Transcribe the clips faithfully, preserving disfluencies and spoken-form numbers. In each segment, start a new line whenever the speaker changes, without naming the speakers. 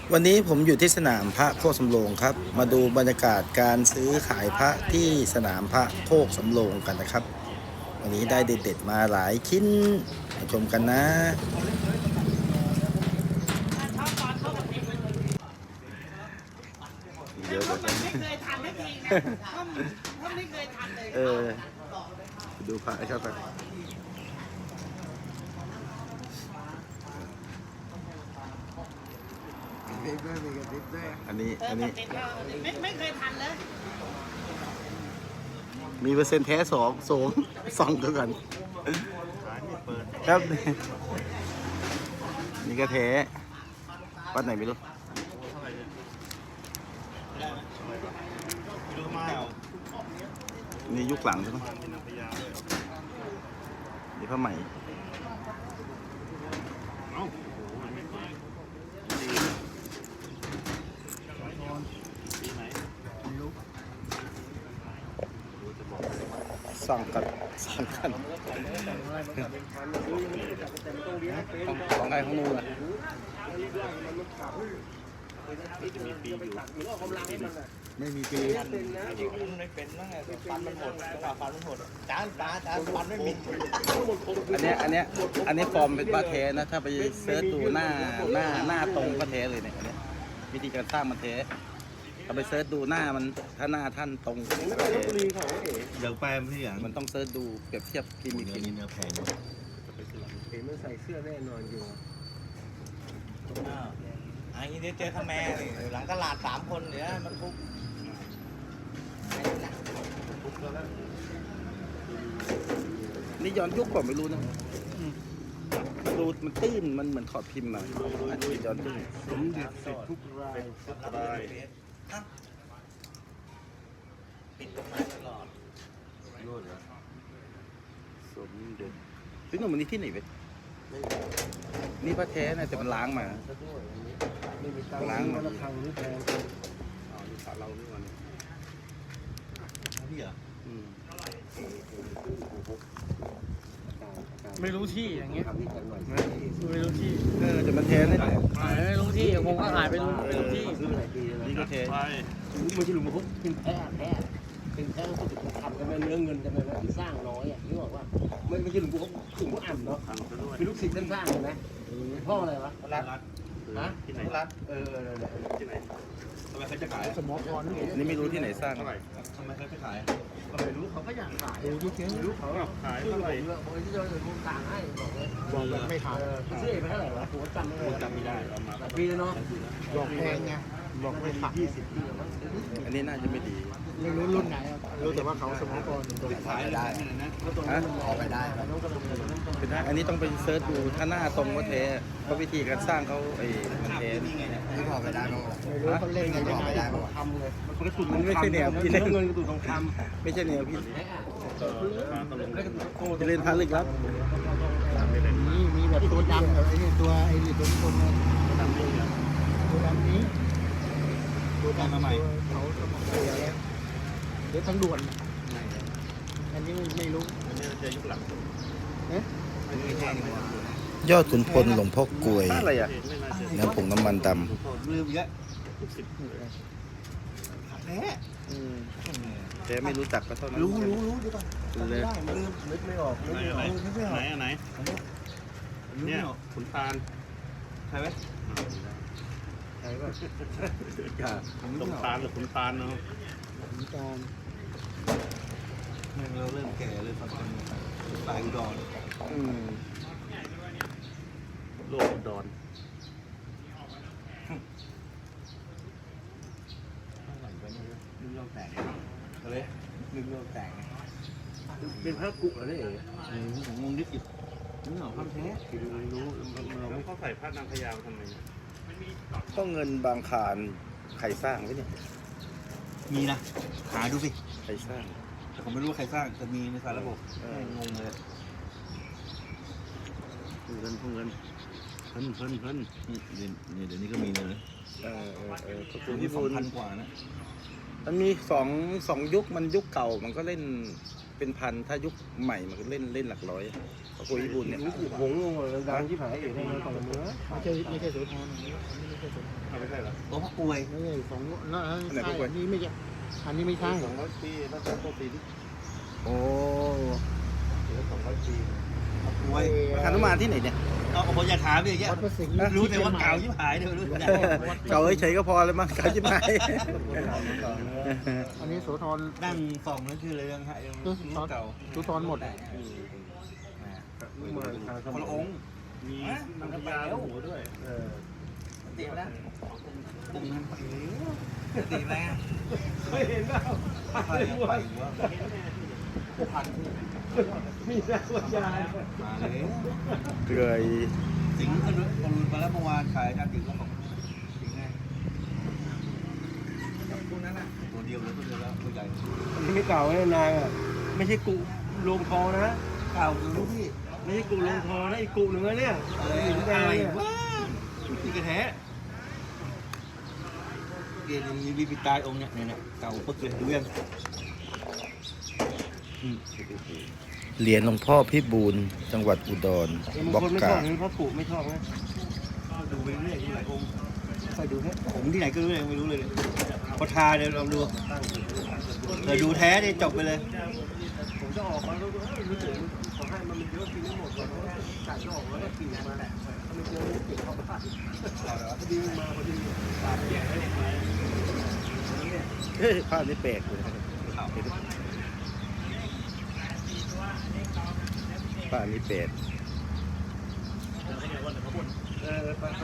วันนี้ผมอยู่ที่สนามพระโคกสำโรงครับมาดูบรรยากาศการซื้อขายพระที่สนามพระโคกสำโรงกันนะครับวันนี้ได้เด็ดๆมาหลายชิ้นมาชมกันนะเดี๋ยวๆ
ไม่เคยทันไม่จริงนะถ้าไม่เคยทันเลย
เออดูพระครับอันนี้อันนี้
ไม่ไม่เคยทันเลย
มีเปอร์เซ็นต์แท้สองสองสองเท่ากันครับนี่ก็แท้วัดไหนไม่รู้นี่ยุคหลังใช่ไหมนี่ผ้าไหมสั่งกันสั่งกันของใครของนู่นอ่ะไม่มีปีไม่เป็นนั่งไงฟันมันหดจังหวะฟันมันหดจานตาจานฟันไม่มีอันเนี้ยอันเนี้ยอันนี้ฟอร์มเป็นว่าเทนะถ้าไปเซิร์ชดูหน้าหน้าหน้าตรงก็เทเลยเนี่ยอันเนี้ยวิธีการสร้างมันเทเราไปเซิร์ชดูหน้ามันถ้าหน้าท่านตรง
เดี๋ยวแปมพี่อย่าง
มันต้องเซิร์ชดูเปรียบเทียบกินอีกที
เนื้อแพง
เห็นมันใส่เสื้อแน่นอนอยู่
อันนี้เดี๋ยวเจอขแมหลังตลาดสามคนเดี๋ยวมันทุก
นี่ย้อนยุคกว่าไม่รู้นะดูมันตื้นมันเหมือนขอดพิมพ์มาอันนี้ย้อนตื้น
สมเด็จเสร็จทุกราย
รายปิดตรงมาตลอด
สมเด็จพี่หนุ่มมันนี่ที่ไหนเว้ยนี่พระแท้นะแต่มันล้างมา
ล้างมาทางนี้แพง
อ๋อนี่ขาเรานี่วัน
พี่เหรอ
ไม่รู้ที่อย่างเงี้ยไม่รู้ที่
เออแต่มันแท้นี่แหละ
ไม่รู้ที่คงก็หายไปรู้ไม่รู้ที่
นี่ก็แท้
ไม่ใช่หลุมพกเป็นแพ้แพ้เป็นแพ้ก็จะทำกันเนื้อเงินกันไปแล้วสร้างน้อยอ่ะนี่บอกว่าไม่ไม่ใช่หลุมพกหลุมพกอ่ำเนาะเป็นลูกศิษย์ท่านสร้างเห็นไหมพ่ออะไรวะ
รัด
ฮะ
ที่ไหนรัด
เออ
ที่ไหนทำไมเขาจะขาย
สมอพร
นี่ไม่รู้ที่ไหนสร้าง
ทำไมเขาจะขาย
ก็ไม่รู้เขาก็อยากขายไม่รู้เขา
ขายเท่าไหร่
บอกที่เราจะพูดต่างให้บอกเลยบอกไม่ขายซื้อไปเท่าไหร่วะผมจำไม่ได้
จำไม่ได้
หลายปีแล้วเนาะบอกแพงไงบอกไม่ขายยี่สิบปี
อันนี้น่าจะไม่ดี
ไม่รู้รุ่นไหนรู้แต่ว่าเขาสมอพร
ขายได้
ฮะ
ออกไปได้
อันนี้ต้องไปเซิร์ชดูถ้าหน้าตรงก็แท้เพราะวิธีการสร้างเขาไอ้มันแท้
ไม่พอไปได้มั้งไม่รู้เขาเล่นกันยังไงทำเลย
มันก็สุดมันไม่ใช่แนวพี่เล่น
เงินกระตุ้นทองค
ำไม่ใช่แนวพี่จะเล่นพาลึกลับ
นี่มีแบบตัวดำแบบไอ้นี่ตัวไอ้นี่ตัวคนตัวดำเลยตัวดำนี้
ตัวดำมาใหม่
เขาเดี๋ยวทางด่วนอันนี้ไม่รู้
อันนี้จะยุคหลัง
เอ๊ะ
อันนี้แพงกว่าย
อดขุนพลหลวงพ่อกลวยน้ำผงน้ำมันด
ำลืมเยอะสิบแท้
แต่ไม่รู้จักก็เท่านั้น
รู้รู้รู้ดีกว่าไม่ได้ไม่ลืมนึกไม่ออก
ไหนไหนไหนไหนเนี่ยขุนตาลใช่ไหม
ใช่ป่ะ
ขุนตาลหรือขุนตาลเนาะ
ขุนตาล
เราเริ่มแก่เลยฟังกันตายอุดรโลกอุดรนึกโลกแตกอะไรนึกโลกแตก
เป็นพระกุเหรอเนี่ย
ผมงงนิดอีกนี่เหรอพระแท้รู้แล้วเขาใส่พระนางพญาทำไม
ก็เงินบางคารใครสร้างไว้เนี่ย
มีนะหาดูสิ
ใครสร้าง
แต่ผมไม่รู้ใครสร้างแต่มีในสารระบบงงเลย
เงินพวกเงิน
เพิ่นเพิ่นเพิ่นนี่เดี๋ยวนี้ก็มีเลย
เออเออเออ
ขอบคุณที่สองพันกว่านะ
มันมีสองสองยุคมันยุคเก่ามันก็เล่นเป็นพันถ้ายุคใหม่มันก็เล่นเล่นหลักร้อยขอบคุณญี่ปุ่นเนี่ย
หงงงดังที่ผายเองในตอนเมื่อไม่ใช่ไม่ใช่สุดท้ายไม่ใช่สุด
ไม่ใช่เหรอ
หลวงพ่อกลวย
ไม่ใช่สองแล้วใช่อันนี้ไม่ใช่อันนี้ไม่ใช่
สองร้อยปีน่าจะต้นปีที่
โอ้
สองร้อยปี
กลวย
หนุมานที่ไหนเนี่ย
เอาผมอย่าถามดิเงี้ย
วัดพระสิงห์
รู้แต่ว่าเก่ายิ่งหายเดี๋ยวรู้แต่
เก่าเฉยๆก็พอเลยมั้งเก่าจิ้มหาย
อันนี้โสธร
นั่งส่องนั่นคืออะไรยังไงรู้เก่า
โสธรหมด
คนละองค์
มีนางพญาหัวด้วยเออ
ตีแล้วปุ้งนั่นตีแล้ว
ไม่เห็นเปล่า
ไปไปหัวพัน
มีหน้าวิญญาณ
มาเลย
เกย
สิงห์ก็รุนมาแล้วเมื่อวานขายการถึงก็ของสิงห์ไงพวกนั้นอ่ะตัวเดียวแล้วตัวเดียวแล้วตัวใหญ่
อันนี้ไม่เก่าแน่นางอ่ะไม่ใช่กุโรงทองนะ
เก่ารู้พี่
ไม่ใช่กุโรงทองนะอีกกุหนึ่งนะเนี่ย
อะไร
หินแดง
อะไร
เนี่ยว
ะนี่กระแท้เรียนมีบีบีตายองค์เนี่ยเนี่ยเก่าปึ๊กเลยดูยัง
เหรียญหลวงพ่อพี่บูลจังหวัดอุดร
บาง
บอก
คนไม่ช
กา
อบนะพระกุไม่ชอบนะ
ดูไปเรื่อยดูหลายองค์ค่อยดูแท้ผมที่ไหนก็รู้เลยไม่รู้เลยพอทาเดี๋ยวลองดูเดี๋ยวดูแท้เนี่ยจบไปเลย
ผมจะออกมาแล้วก็รู้สึกขอให้มันเยอะกินไม่หมดก่อนเพราะว่าไก่จะออกแล้วก็กินมาแหละถ้ามันเยอะเก็บเข้าไปพอดีมาพอดีปากแก่เลย
เฮ้ยภาพนี้แปลกเลยภาพนี้แปลก
เออไปครับ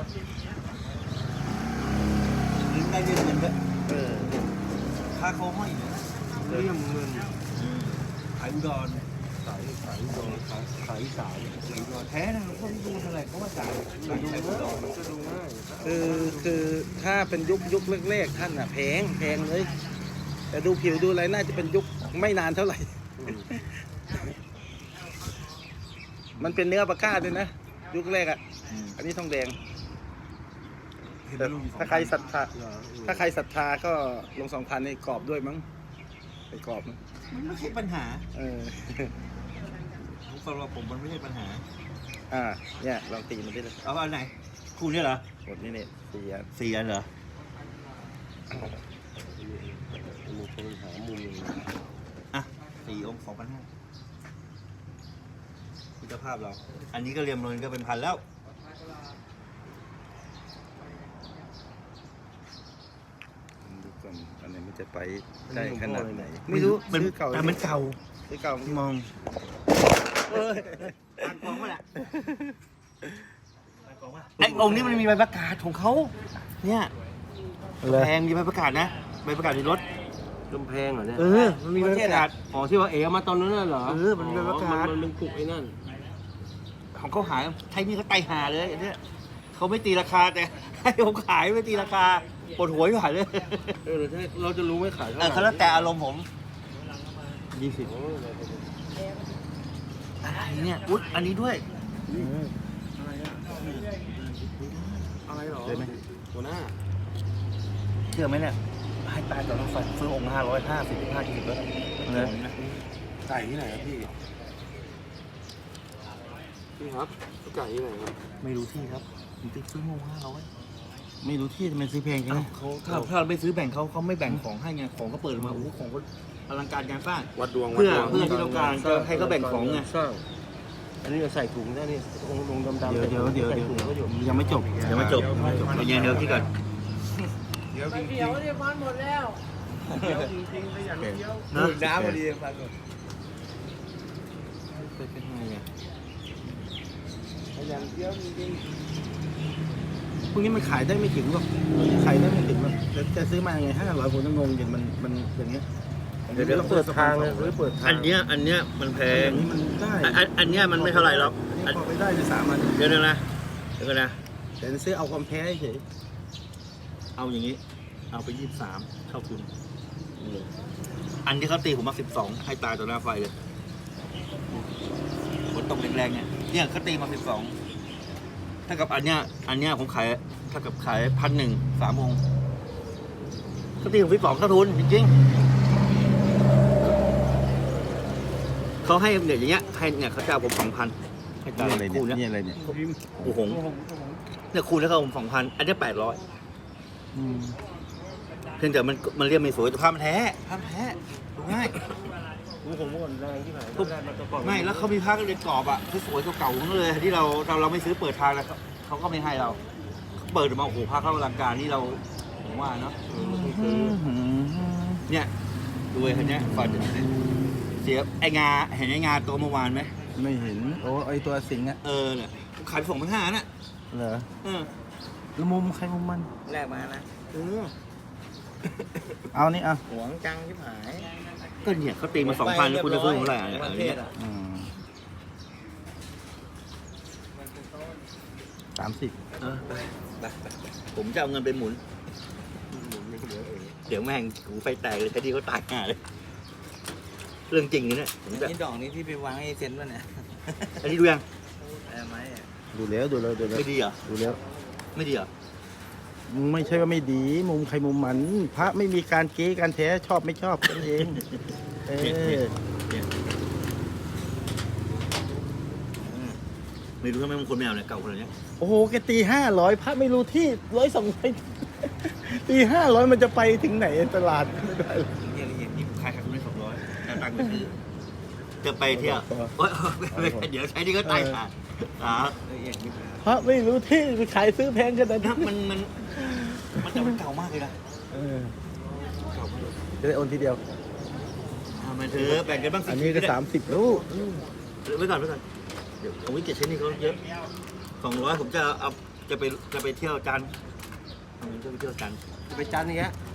ได้เงินเงินด้วย
เออ
ค่าเขาห้อยอยู่นะ
เรื่องเงิน
ขายอุดร
ขายขายโดนขายขายสาย
ขายอุดรแท้นะพวกที่ดูเท่าไหร่เขาว่าจ่าย
ดู
ขายอุด
ง่าย
ร
มันก็ดูง่าย
คือคือถ้าเป็นยุคยุคแรกๆท่านอ่ะแพงแพงเลย แต่ดูผิวดูอะไรน่าจะเป็นยุคไม่นานเท่าไหร่ มันเป็นเนื้อปลาก้าด้วยนะ ยุคแรกอ่ะ อันนี้ทองแดงแต่ถ้าใครศรัทธาถ้าใครศรัทธาก็ลงสองพันในกรอบด้วยมั้งไปกรอบมั้ง
มันไม่ใช่ปัญหา
เออ
สำหรับผมมันไม่ใช่ปัญหา
อ่าเนี่ยลองตีมันได้เลย
เอาอันไหนคู่นี้เหรอ
หมดนี่เนี่ยสี่อัน
สี่อันเหรอ
มีคนหามุม
อ่ะสี่องค์สองพันห้าคุณภาพเรา อันนี้ก็เรียมเงินก็เป็นพันแล้ว
ดูก่อนอันไหนมันจะไปได้ขนาดไหนไม่รู้
มัน
ซื้อเก่า
แต่มันเก่า
ซื้อเก่าม
องเอออ่านกองมาแหละไอ้องค์นี้มันมีใบประกาศของเขาเนี่ยแพงมีใบประกาศนะใบประกาศในรถ
กำแพงเหรอเนี่ย
เออมันมีใบประกาศ
อ๋อที่ว่าเอ๋มาตอนนั้นน่ะเหรอ
เออมันเป็นประกาศ
มันเป็นกุกไอ้นั่น
ของเขาหายใช้นี่เขาไตหาเลยอันเนี้ยเขาไม่ตีราคาแต่ให้ผมขายไม่ตีราคาปวดหัวอยู่หายเลย
เออเราจะรู้ไหมขายเท่าไห
เอ
ร่
อเขาแล้วแต่อารมณ์ผมยี่สิบอะไรเนี่ยอุ๊ยอันนี้ด้วย
อะไรหรอ
ได้ไหม
หัวหน้า
เชื่อไหมเนี่ยให้ตายต่อต้องซื้อองค์ห้าร้อยห้าสิบห้าสิบแล้วนะ
ไก่ที่ไหนครับพี่พี่ครับไก่ที่ไหนครับ
ไม่รู้ที่ครับผมติดซื้อองค์ห้าร้อย
ไม่รู้ที่ทำไมซื้อแพงจัง
เขาถ้าถ้าเราไม่ซื้อแบ่งเขาเขาไม่แบ่งของให้ไงของเขาเปิดมาโอ้โหของเขาอลังการการสร้าง
วัดดวง
เพื่อเพื่อที่ต้องการจะให้เขาแบ่งของไง
สร้างอันนี้จะใส่ถุงได้นี่องค์ลงดำๆ
เดี๋ยวเดี๋ยวเดี๋ยว
ใส่
เดี๋ยว
ถุงก็อยู่
ยังไม่จบ
ยังไม่จบยังไม่จบเดี๋ยวเดี๋ยวที่ก่อน
เดี๋ยวเดี๋ยวเนี่ยมันหมดแล้ว
นะ
น้ำพอดี
เป็นไงอ่ะ
อย่างเดียวจริงพวกนี้มันขายได้ไม่ถึงหรอกขายได้ไม่ถึงหรอกจะจะซื้อมาไงห้าร้อยผมต้องงงอย่างมันมันอย่างเงี้ย
เดี๋ยวเดี๋ยวเปิดทางเลยหรือเปิดทาง
อันเนี้ยอันเนี้ยมันแพ
อง ย่างนี้มันได้
อันอันอันเนี้ยมันไม่เท่าไหร่หรอก
อันนี้พอไปได้ในสามอัน
เดี๋ยวนึงนะเดี๋ยวก่อนนะ
แต่ซื้อเอาความแพ้เฉย
เอาอย่างนี้ เอาไปยี่สิบสามเท่าคุณอันที่เขาตีผมมาสิบสองให้ตายต่อหน้าไฟเลยฝนตกแรงๆเนี่ยเนี่ยเขาตีมาสิบสองถ้ากับอันเนี้ยอันเนี้ยผมขายถ้ากับขายพันหนึ่งสามองค์เขาตีผมสิบสองเท่าทุนจริงๆเขาให้เนี่ยอย่างเงี้ยให้เนี่ยเขาจะเอาผมสองพันให้ตาย
นี่อะไร
คู่
เนี่ย
เนี้ย
นี่อะไรเนี่ย
โอ้โหเนี่ยคูณแล้วก็ผมสองพันอันนี้แปดร้อย
อืม
เพียงแต่มันมันเรียกไม่สวยแต่ภาพมันแท้ภาพแท้ดูง่าย
กูผมก่อนแรงที่ไหนแรงมาตะกอน
ไม่แล้วเขามีภาพเรียนกรอบอะสวยๆเก่าๆทั้งนั้นเลยที่เราเราเราไม่ซื้อเปิดทางแล้วเขาก็ไม่ให้เราเขาเปิดออกมาโอ้โหภาพเข้าอลังการนี่เราผมว่าเนาะเนี่ยดูไอ้คนเนี้ยฟอร์ดเสียไอ้งาเห็นไอ้งาตัวเมื่อวานไหม
ไม่เห็นโอ้ไอตัวสิงห์อะ
เออเนี่ยขายไปสองพันห้าน่ะ
เหรอ
เออ
แล้วมุมใครมุมมัน
แรกมานะ
เออ
เอานี่เอา
หวงจังชิบหาย
ก็เนี่ยเขาตีมาสองพันคุณจะซื้อเท่าไหร่เนี่ย
ป
อั
ระ
น
เท
นี้
ศอ่ะ
อืมสามสิบ
เออไปไปไปผมจะเอาเงินไปหมุน เดี๋ยวแม่งกูไฟแตกเลยคดีเขาตายห่าเลย เรื่องจริงนะเนี่ยผมจะ
นี่ดอกนี้ที่ไปวางให้เซ็นป่ะเนี่ย
อันนี้ดูยัง
เออไหมอ่ะ
ดูแล้วดูแล้วดูแล้ว
ไม่ดีเหรอ
ดูแล้ว
ไม่ดีเหรอ
ไม่ใช่ว่าไม่ดี มุมใครมุมมัน พระไม่มีการเก๊การแท้ชอบไม่ชอบกันเอง เออ
ไม่รู้ทำไมบางคนไม่เอาเนี่ยเก่าขนาดเนี้ย
โอ้โหแกตีห้าร้อยพระไม่รู้ที่ร้อยสองร้อยตีห้าร้อยมันจะไปถึงไหนตลาดไม่ได้เลย
เนี่ยละเอียดนี่ขายขาดทุนได้สองร้อยแต่ตังค์ไปซื้อจะไปเที่ยวโอ๊ยไม่ไม่เดี๋ยวใช้นี่ก็ตายขาดอ่า
ละเอียดยิบหาย
พระไม่รู้ที่ไปขายซื้อแพงขนาด
ถ้า
นั้น
มันมันมันจะมันเก่ามากเลยนะ
เออ
เก่ามากเลย
จะได้โอนทีเดียว
อ่ามันเถอะแบ่งกันบ้างสิ
อันนี้ก็สามสิบลูก
ไว้ก่อนไว้ก่อนเดี๋ยวผมวิเก็ตใช้นี่เขาเยอะสองร้อยผมจะเอาจะไปจะไปเที่ยวจันทร์เอาเงินจะไปเที่ยวจันทร์
ไปจันทร์อย่างเงี้ย
เ